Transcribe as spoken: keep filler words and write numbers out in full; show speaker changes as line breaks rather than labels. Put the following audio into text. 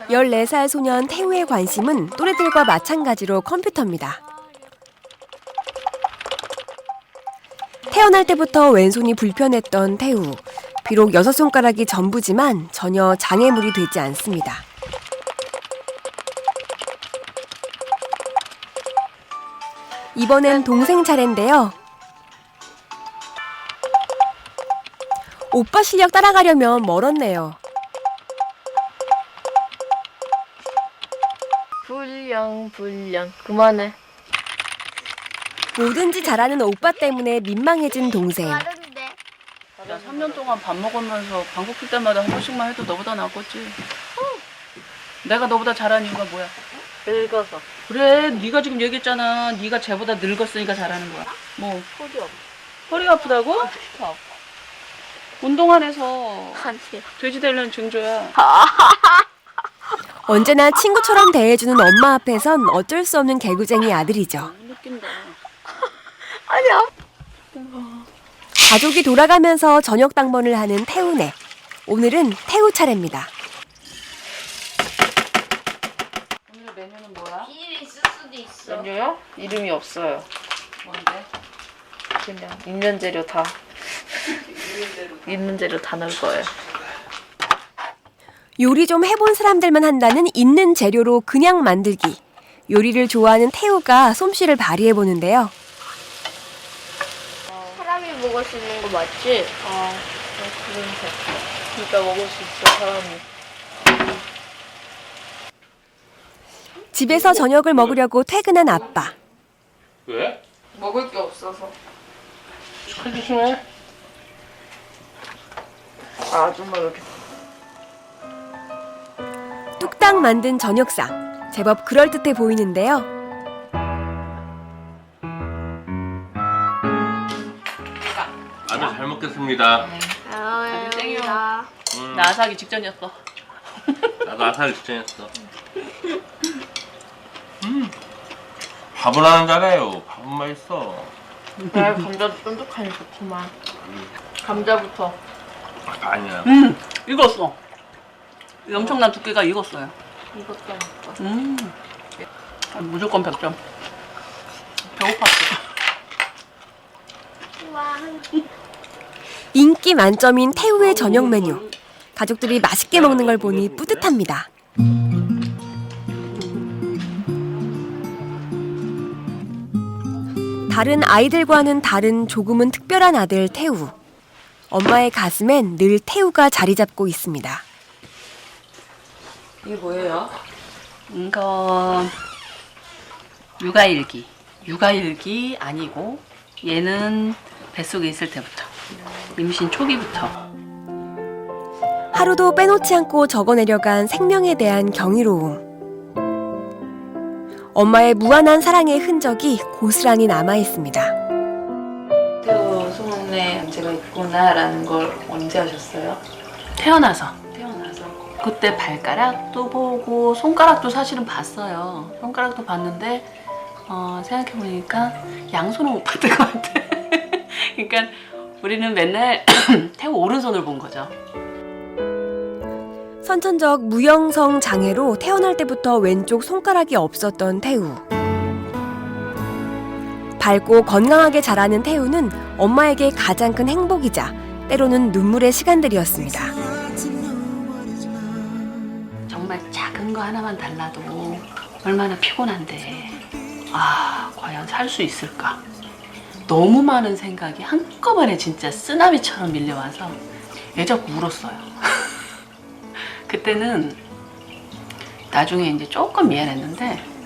열네 살 소년 태우의 관심은 또래들과 마찬가지로 컴퓨터입니다. 태어날 때부터 왼손이 불편했던 태우. 비록 여섯 손가락이 전부지만 전혀 장애물이 되지 않습니다. 이번엔 동생 차례인데요. 오빠 실력 따라가려면 멀었네요.
불량 불량 그만해.
뭐든지 잘하는 오빠 때문에 민망해진 동생.
야,
삼 년 동안 밥 먹으면서 방귀 낄 때마다 한 번씩만 해도 너보다 낫겠지. 내가 너보다 잘하는 이유가 뭐야?
늙어서.
그래, 네가 지금 얘기했잖아. 네가 쟤보다 늙었으니까 잘하는 거야. 뭐
허리 아파.
허리가 아프다고?
아파.
운동 안 해서
한치.
돼지 되려는 증조야.
언제나 친구처럼 대해주는 엄마 앞에선 어쩔 수 없는 개구쟁이 아들이죠.
느낀다.
아니야.
가족이 돌아가면서 저녁 당번을 하는 태우네. 오늘은 태우 차례입니다.
오늘 메뉴는 뭐야?
비닐이 있을 수도 있어.
메뉴요? 이름이 없어요.
뭔데?
그냥 있는 재료 다. 있는 재료 다 넣을 거예요.
요리 좀 해본 사람들만 한다는 있는 재료로 그냥 만들기. 요리를 좋아하는 태우가 솜씨를 발휘해보는데요.
사람이 먹을 수 있는 거 맞지?
아, 그런 거. 진짜 먹을 수 있어, 사람이.
집에서 저녁을 먹으려고 퇴근한 아빠.
왜?
먹을 게 없어서.
칼 조심해.
아, 아줌마 이렇게.
뚝딱 만든 저녁상. 제법 그럴듯해 보이는데요.
아주 잘 먹겠습니다.
아,
땡이요.
음,
나 아사하기 직전이었어.
나도 아사를 직전했어. 음, 밥은 하는 잘해요. 밥은 맛있어.
나 감자 쫀득하니 좋구만. 감자부터.
아니야.
음, 익었어. 이 엄청난 두께가 익었어요.
이것도 먹고.
음, 아, 무조건 백 점. 배고팠어.
인기 만점인 태우의 저녁 메뉴. 가족들이 맛있게 먹는 걸 보니 뿌듯합니다. 다른 아이들과는 다른 조금은 특별한 아들 태우. 엄마의 가슴엔 늘 태우가 자리 잡고 있습니다.
이게 뭐예요?
이거 육아일기. 육아일기 아니고 얘는 뱃속에 있을 때부터. 임신 초기부터.
하루도 빼놓지 않고 적어내려간 생명에 대한 경이로움. 엄마의 무한한 사랑의 흔적이 고스란히 남아있습니다.
태우 소문에 제가 있구나라는 걸 언제 하셨어요?
태어나서. 태어나서. 그때 발가락도 보고 손가락도 사실은 봤어요. 손가락도 봤는데 어, 생각해보니까 양손은 못 봤던 것 같아. 그러니까 우리는 맨날 태우 오른손을 본 거죠.
선천적 무형성 장애로 태어날 때부터 왼쪽 손가락이 없었던 태우. 밝고 건강하게 자라는 태우는 엄마에게 가장 큰 행복이자 때로는 눈물의 시간들이었습니다.
정말 작은 거 하나만 달라도 얼마나 피곤한데 아 과연 살 수 있을까? 너무 많은 생각이 한꺼번에 진짜 쓰나미처럼 밀려와서 애 자꾸 울었어요. 그때는 나중에 이제 조금 미안했는데